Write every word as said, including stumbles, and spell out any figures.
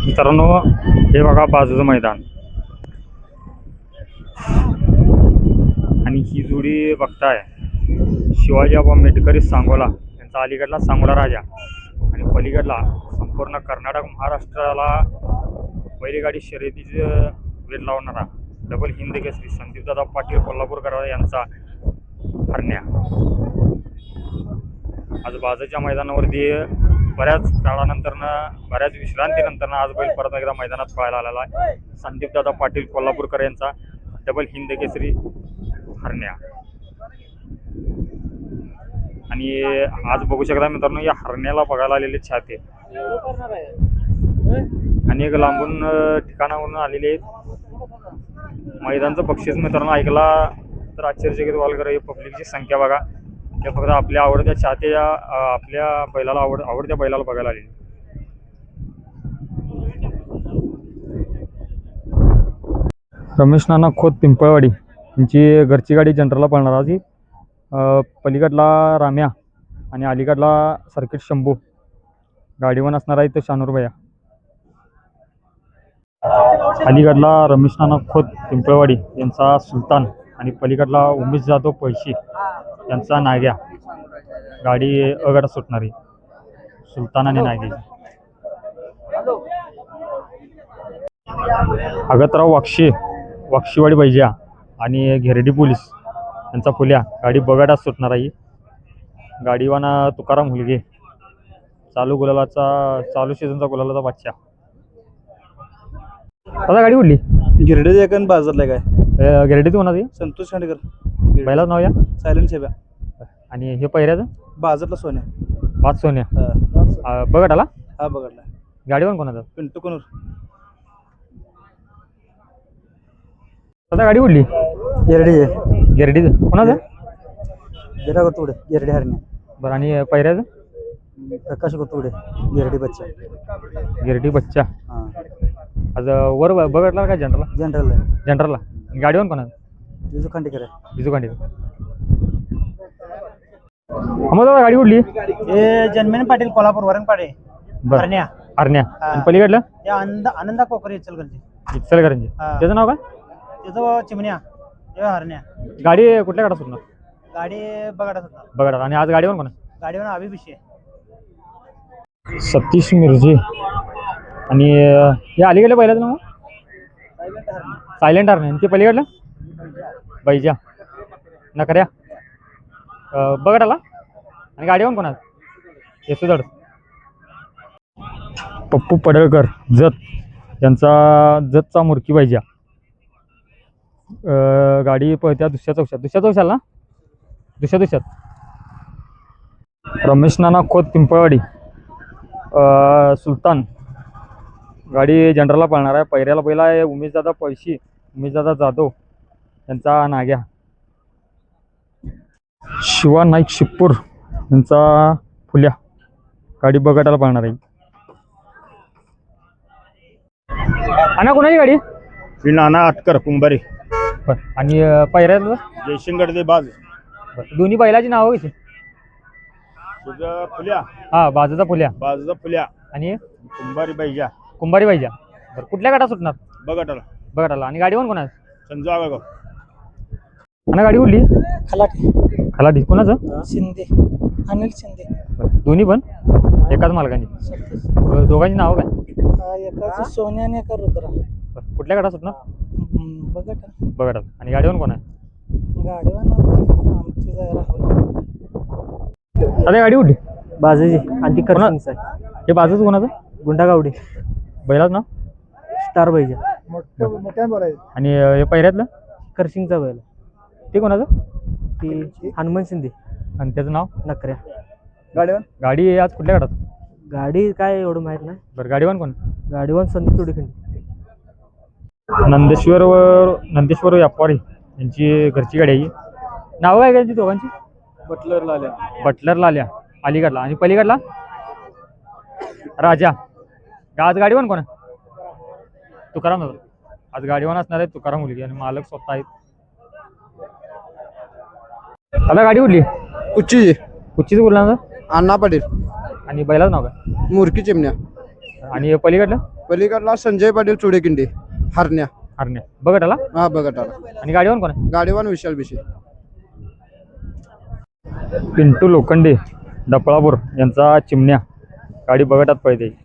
मित्रांनो हे बघा बाजूचं मैदान आणि ही जोडी बघताय शिवाजी आबा मेटकरी सांगोला यांचा अलीकडला सांगोला राजा आणि पलीकडला संपूर्ण कर्नाटक महाराष्ट्राला बैलगाडी शर्यतीचे वेध लावणारा डबल हिंद केसरी संदीपदादा पाटील कोल्हापूरकर यांचा हरण्या आज बाजूच्या मैदानावरती बऱ्याच काळानंतरनं बऱ्याच विश्रांतीनंतरनं आज बैल परत एकदा मैदानात पळायला आलेला आहे. संदीपदादा पाटील कोल्हापूरकर यांचा डबल हिंद केसरी हरण्या आणि आज बघू शकता मित्रांनो या हरण्याला बघायला आलेले छाते आणि एक लांबून ठिकाणावरून आलेले आहेत. मैदानचं बक्षीस मित्रांनो ऐकला तर आश्चर्यचकित व्हाल कर. पब्लिकची संख्या बघा ते फक्त आपल्या आवडत्या चाहत्या आपल्या बैलाला आवड आवडत्या बैलाला बघायला आलेली. रमेश नाना खोत पिंपळवाडी यांची घरची गाडी जनरलला पळणार आधी. पलीकडला राम्या आणि अलीकडला सर्किट शंभू गाडीवर असणार आहे तो शानूर भैया. अलीकडला रमेश नाना खोत पिंपळवाडी यांचा सुलतान आणि पलीकडला उमेश जाधव पैशी यांचा नाग्या. गाडी अगटा सुटणारी सुलतान आणि नागे. अगतराव वाक्षी वाक्षीवाडी बैजा आणि घेरडी पोलीस यांचा फुल्या गाडी बगाटाच सुटणार आहे. गाडीवाना तुकाराम हुलगे चालू गुलालाचा चालू सीझनचा गुलालाचा बादशाह. आता गाडी उडली गिरडे एकन बाजारला काय गिरडीत कोणाची संतोष खांडेकर बैलाच नाव या सायलेंट शेब्या आणि हे पहिऱ्याचं बाजारला सोन्या पाच सोन्या बघत आला हा बघडला गाडीवर कोणाचा पिंटू कोणूर. आता गाडी उडली गिरडे गिरडीत कोणाचं गिरा करतोडे गिरडे हरण्या बरं आणि पहिऱ्याचं प्रकाश करतोडे गिरडी बच्चा गिरडी बच्चा. हां आज वर बघटला काय जनरलला जनरल जनरलला गाडीवर कोणाचं बिजू खांडेकर आहे बिजू कांडी. मग दादा गाडी उडली हे जन्मेन पाटील कोल्हापूर वरंगपाडे हरण्या हरण्या आणि पलीकडलं हे आनंद आनंदा कोकरे इचलकरंजी इचलकरंजी त्याचं नाव काय त्याचं चिमण्या हे हरण्या. गाडी कुठल्या गाडा सुटणार गाडी बघाडा होता बघा आणि आज गाडीवर कोणा गाडीवर अभिभिषे सतीश मिर्जे आणि हे अलीकडल्या पहिल्याचं नाव सायलेंट हरण्या आणि ते पलीकडलं बैजा नकऱ्या बघत आला आणि गाडीवर कोणा येसुदड. पप्पू पडळकर जत यांचा जतचा मुरकी बैजा. गाडी पळत्या दुसऱ्या चौशात दुसऱ्या चौशाल ना दुसऱ्या दुसऱ्यात. रमेश नाना खोत पिंपळवाडी सुलतान गाडी जनरलला पळणार आहे. पहिऱ्याला पहिला आहे उमेशदादा पैशी उमेशदादा जाधव यांचा नाग्या. शिवा नाईक शिपूर यांचा फुल्या गाडी बघटायला पळणार आहे. आणा कोणाची गाडी श्री नाना आटकर कुंभारी आणि पहिऱ्याला जयशंकर दे बाज दोन्ही बैलाची नावं कशी तुझं फुल्या हा बाजूचा फुल्या बाजूचा फुल्या आणि कुंभारी बैजा कुंभारी बैजा. बरं कुठल्या गाडा सुटणार बघटाला बघटाला आणि गाडीवर कोणा संजू आगागाव. आणि गाडी उडली खलाटे खलाटी कोणाचं शिंदे अनिल शिंदे दोन्ही पण एकाच मालकांची दोघांची नावं काय एकाचं सोन्या आणि एका रुद्रा. बरं कुठल्या गाडा सुटणार बघा बघटाला आणि गाडीवर कोणा गाडीवर आमची राहुल अरे गाडी उडली बाजूची आणि ती करसिंगचं आहे. हे बाजूच कोणाचं गुंडागावडे बैलाच नाव स्टार बैजा आणि हे पहिऱ्यातलं करसिंगचा बैल ते कोणाचं ती हनुमान शिंदे आणि त्याचं नाव नकऱ्या. गाडीवर गाडी आज कुठल्या गाडात गाडी काय एवढं माहित नाही. बरं गाडीवर कोण गाडीवर संदीप तोडीखंडी. नंदेश्वरवर नंदेश्वर व्यापारी यांची घरची गाडी आहे. नाव काय त्यांची दोघांची बटलरला आल्या बटलरला आल्या अलीकडला आणि पलीकडला राजा. आज गाडीवर कोण तुकाराम दादा. आज गाडीवर असणार आहे तुकाराम मुलगी आणि मालक स्वतः आहेत. आता गाडी उडली उच्ची कुच्चीच बोलणार अण्णा पाटील आणि बैलाच नाव काय मुरकी चिमण्या अच्छा आणि हे पलीकडलं पलीकडला संजय पाटील चुडेकिंडी हरण्या. हरण्या बघत आला हा बघत आला. आणि गाडीवर कोण आहे गाडीवान विशाल बिशे. पिंटू लोखंडे डपळापूर यांचा चिमण्या गाडी बघतात पळते.